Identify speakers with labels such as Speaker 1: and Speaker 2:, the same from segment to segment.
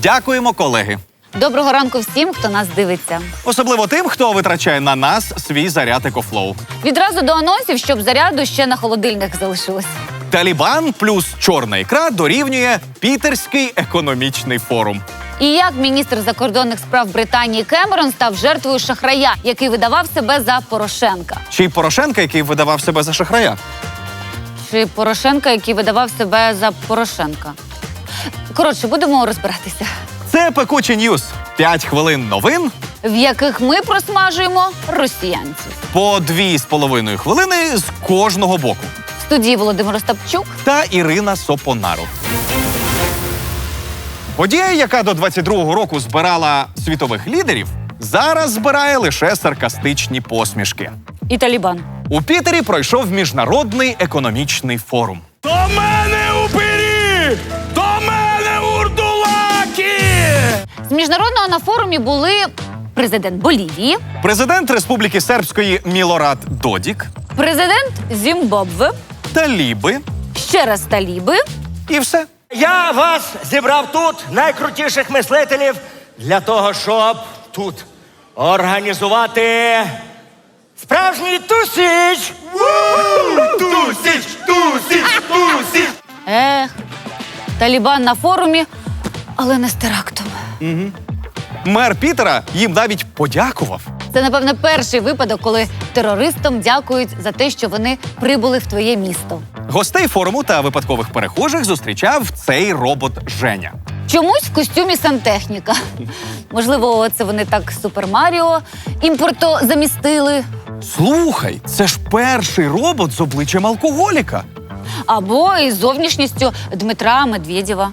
Speaker 1: Дякуємо, колеги.
Speaker 2: Доброго ранку всім, хто нас дивиться.
Speaker 1: Особливо тим, хто витрачає на нас свій заряд EcoFlow.
Speaker 2: Відразу до анонсів, щоб заряду ще на холодильник залишилось.
Speaker 1: Талібан плюс чорна ікра дорівнює Пітерський економічний форум.
Speaker 2: І як міністр закордонних справ Британії Кемерон став жертвою шахрая, який видавав себе за Порошенка.
Speaker 1: Чи Порошенка, який видавав себе за шахрая?
Speaker 2: Чи Порошенка, який видавав себе за Порошенка. Коротше, будемо розбиратися.
Speaker 1: Це «Пекучі Ньюс». 5 хвилин новин.
Speaker 2: В яких ми просмажуємо росіянців.
Speaker 1: По 2,5 хвилини з кожного боку.
Speaker 2: В студії Володимир Остапчук.
Speaker 1: Та Ірина Сопонару. Подія, яка до 22-го року збирала світових лідерів, зараз збирає лише саркастичні посмішки.
Speaker 2: І Талібан.
Speaker 1: У Пітері пройшов Міжнародний економічний форум.
Speaker 3: До мене упирі! До мене урдулаки!
Speaker 2: З міжнародного на форумі були президент Болівії,
Speaker 1: Президент Республіки Сербської Мілорад Додік,
Speaker 2: президент Зімбабве,
Speaker 1: таліби
Speaker 2: ще раз таліби.
Speaker 1: і все.
Speaker 3: Я вас зібрав тут, найкрутіших мислителів, для того, щоб тут організувати справжній тусіч! Тусіч! Тусіч! Тусіч!
Speaker 2: Талібан на форумі, але не з терактом.
Speaker 1: Мер Пітера їм навіть подякував.
Speaker 2: Це, напевно, перший випадок, коли терористам дякують за те, що вони прибули в твоє місто.
Speaker 1: Гостей форуму та випадкових перехожих зустрічав цей робот Женя.
Speaker 2: Чомусь в костюмі сантехніка. Можливо, це вони так Супер Маріо імпорто замістили.
Speaker 1: Слухай, це ж перший робот з обличчям алкоголіка.
Speaker 2: Або із зовнішністю Дмитра Медведєва.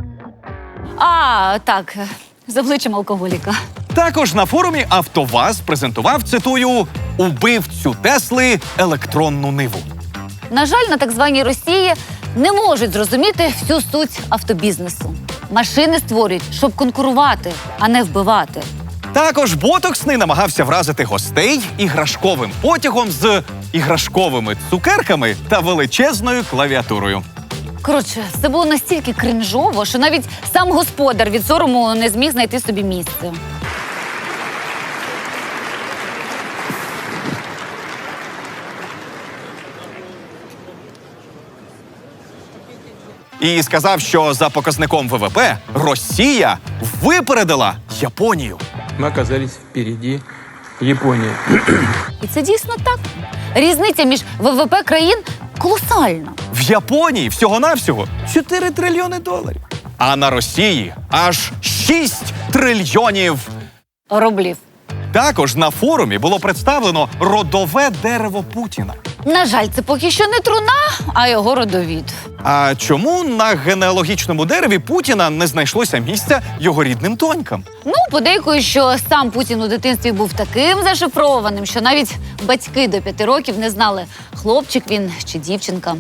Speaker 2: А, так, з обличчям алкоголіка.
Speaker 1: Також на форумі «АвтоВАЗ» презентував, цитую, «убивцю Тесли електронну ниву».
Speaker 2: На жаль, на так званій Росії не можуть зрозуміти всю суть автобізнесу. Машини створюють, щоб конкурувати, а не вбивати.
Speaker 1: Також ботоксний намагався вразити гостей іграшковим потягом з іграшковими цукерками та величезною клавіатурою.
Speaker 2: Коротше, це було настільки кринжово, що навіть сам господар від сорому не зміг знайти собі місце.
Speaker 1: І сказав, що за показником ВВП Росія випередила Японію.
Speaker 4: Мы оказались впереди Японии.
Speaker 2: І це дійсно так. Різниця між ВВП країн колосальна.
Speaker 1: В Японії всього-навсього 4 трильйони доларів. А на Росії аж 6 трильйонів.
Speaker 2: Рублів.
Speaker 1: Також на форумі було представлено родове дерево Путіна.
Speaker 2: На жаль, це поки що не труна, а його родовід.
Speaker 1: А чому на генеалогічному дереві Путіна не знайшлося місця його рідним донькам?
Speaker 2: Ну, подейкують, що сам Путін у дитинстві був таким зашифрованим, що навіть батьки до 5 років не знали, хлопчик він чи дівчинка.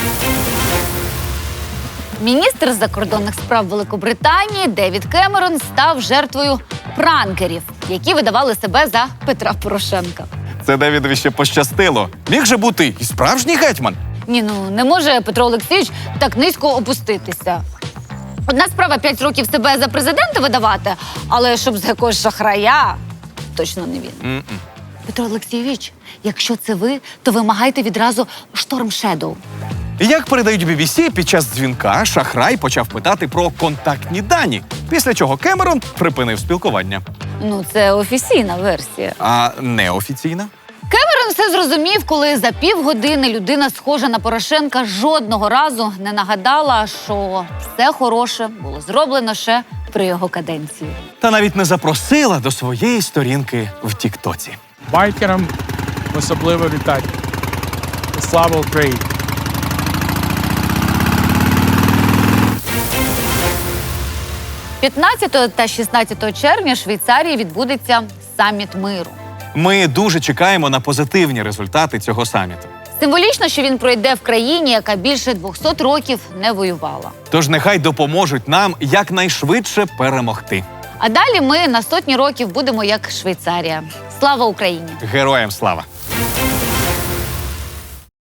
Speaker 2: Міністр закордонних справ Великобританії Девід Кемерон став жертвою пранкерів, які видавали себе за Петра Порошенка.
Speaker 1: Це Девідові ще пощастило. Міг же бути і справжній гетьман.
Speaker 2: Ні, ну не може Петро Олексійович так низько опуститися. Одна справа 5 років себе за президента видавати, але щоб за якогось шахрая, точно не він. Петро Олексійович, якщо це ви, то вимагайте відразу Storm Shadow.
Speaker 1: Як передають BBC, під час дзвінка шахрай почав питати про контактні дані, після чого Кемерон припинив спілкування.
Speaker 2: Ну, це офіційна версія.
Speaker 1: А неофіційна?
Speaker 2: Кемерон все зрозумів, коли за півгодини людина, схожа на Порошенка, жодного разу не нагадала, що все хороше було зроблено ще при його каденції.
Speaker 1: Та навіть не запросила до своєї сторінки в Тіктоці.
Speaker 4: Байкерам особливо вітати. Слава Україні!
Speaker 2: – 15 та 16 червня в Швейцарії відбудеться саміт миру.
Speaker 1: Ми дуже чекаємо на позитивні результати цього саміту.
Speaker 2: Символічно, що він пройде в країні, яка більше 200 років не воювала.
Speaker 1: Тож нехай допоможуть нам якнайшвидше перемогти.
Speaker 2: А далі ми на сотні років будемо як Швейцарія. Слава Україні!
Speaker 1: Героям слава!